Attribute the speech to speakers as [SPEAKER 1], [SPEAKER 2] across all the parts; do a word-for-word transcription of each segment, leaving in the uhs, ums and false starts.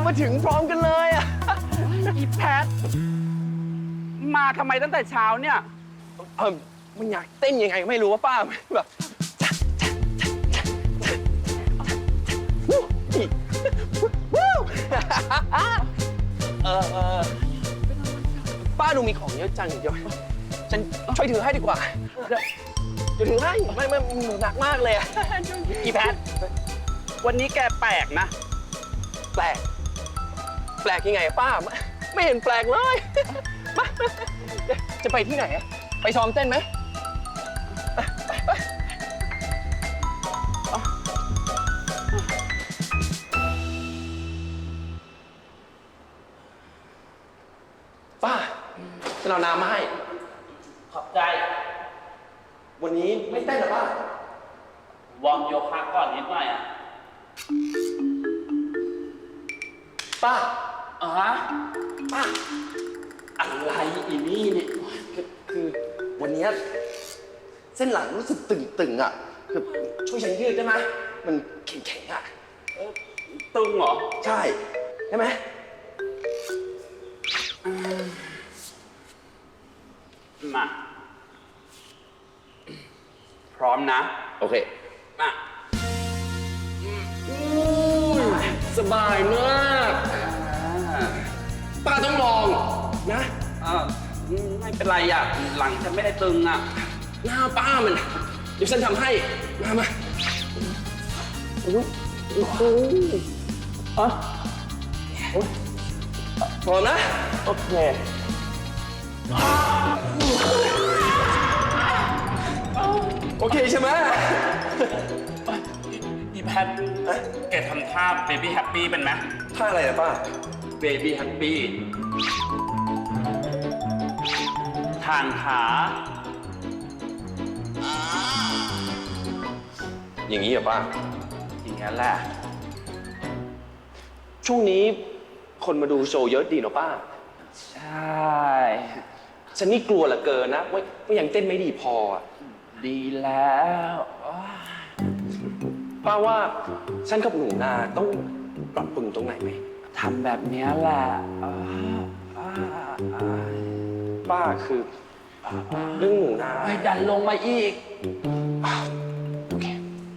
[SPEAKER 1] มาถึงพร้อมกันเลยอ่ะ
[SPEAKER 2] อีแพท มาทำไมตั้งแต่เช้าเนี่ย
[SPEAKER 1] เออมันอยากเต้นยังไงไม่รู้ว่าป้าแบบวู้อีวู้เออเออป้าดูมีของเยอะจังเดี๋ยวฉันช่วยถือให้ดีกว่าเดี๋ยวเดี๋ยวถือให้ไม่ไม่หนักมากเลยอะ
[SPEAKER 2] อีแพท วันนี้แกแปลกนะ
[SPEAKER 1] แปลกแปลกยังไงป้าไม่ไม่เห็นแปลกเลยมาจะไปที่ไหนอะไปซ้อมเต้นไหมไปไปป้าฉันเอาน้ำมาให้
[SPEAKER 2] ขอบใจ
[SPEAKER 1] วันนี้ไม่เต้นหรอป้าว
[SPEAKER 2] อร์มโยคะก่อนนิดหน่อยอ่ะ
[SPEAKER 1] ป้า
[SPEAKER 2] อ๋อฮะ
[SPEAKER 1] ป้า
[SPEAKER 2] อะไรอีนี่เนี่ย
[SPEAKER 1] คือคือวันนี้เส้นหลังรู้สึกตึงๆอ่ะคือช่วยฉันยืดได้ไหมมันแข็งๆอ่ะ
[SPEAKER 2] เออตึงเหรอ
[SPEAKER 1] ใช่ได้ไหม
[SPEAKER 2] มา พร้อมนะ
[SPEAKER 1] โอเค
[SPEAKER 2] มา
[SPEAKER 1] สบายมากป้าต้องลองนะ
[SPEAKER 2] อ่าไม่เป็นไรอ่ะ หลังฉันไม่ได้ตึงอ่ะ
[SPEAKER 1] หน้าป้ามันเดี๋ยวฉันทำให้มามาโอ้ยโอ้โหอ่ะพอนะ โอเคโอเคใช่ไหม
[SPEAKER 2] อีแพท แกทำท่าเบบี้แฮปปี้เป็นไหม
[SPEAKER 1] ท่าอะไรนะป้า
[SPEAKER 2] เบบี้แฮปปี้ทางขา
[SPEAKER 1] อย่างนี้เหรอป้า
[SPEAKER 2] อย่างนั้นแหละ
[SPEAKER 1] ช่วงนี้คนมาดูโชว์เยอะดีเนาะป้า
[SPEAKER 2] ใช่
[SPEAKER 1] ฉันนี่กลัวเหลือเกินนะว่าว่ายังเต้นไม่ดีพออะ
[SPEAKER 2] ดีแล้ว
[SPEAKER 1] ป้าว่าฉันกับหนูนาต้องปรับปรุงตรงไหนไหม
[SPEAKER 2] ทำแบบนี้แหละอ่าอ่าอ่า
[SPEAKER 1] ป้าคือเรื่องหนูนา
[SPEAKER 2] ให้ดันลงมาอีก
[SPEAKER 1] โอเค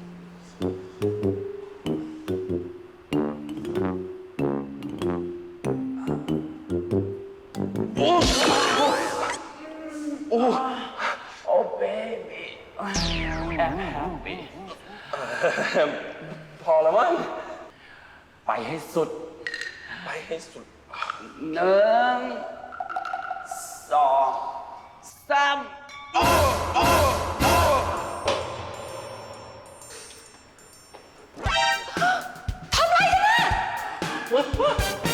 [SPEAKER 1] โอ้โอ้
[SPEAKER 2] โอ้เบบี้แอบแฮปปี้
[SPEAKER 1] พอแล้วมั้ง
[SPEAKER 2] ไปให้สุด
[SPEAKER 1] ไปให้สุด
[SPEAKER 2] หนึ่งสองสามทำไรกันน่ะ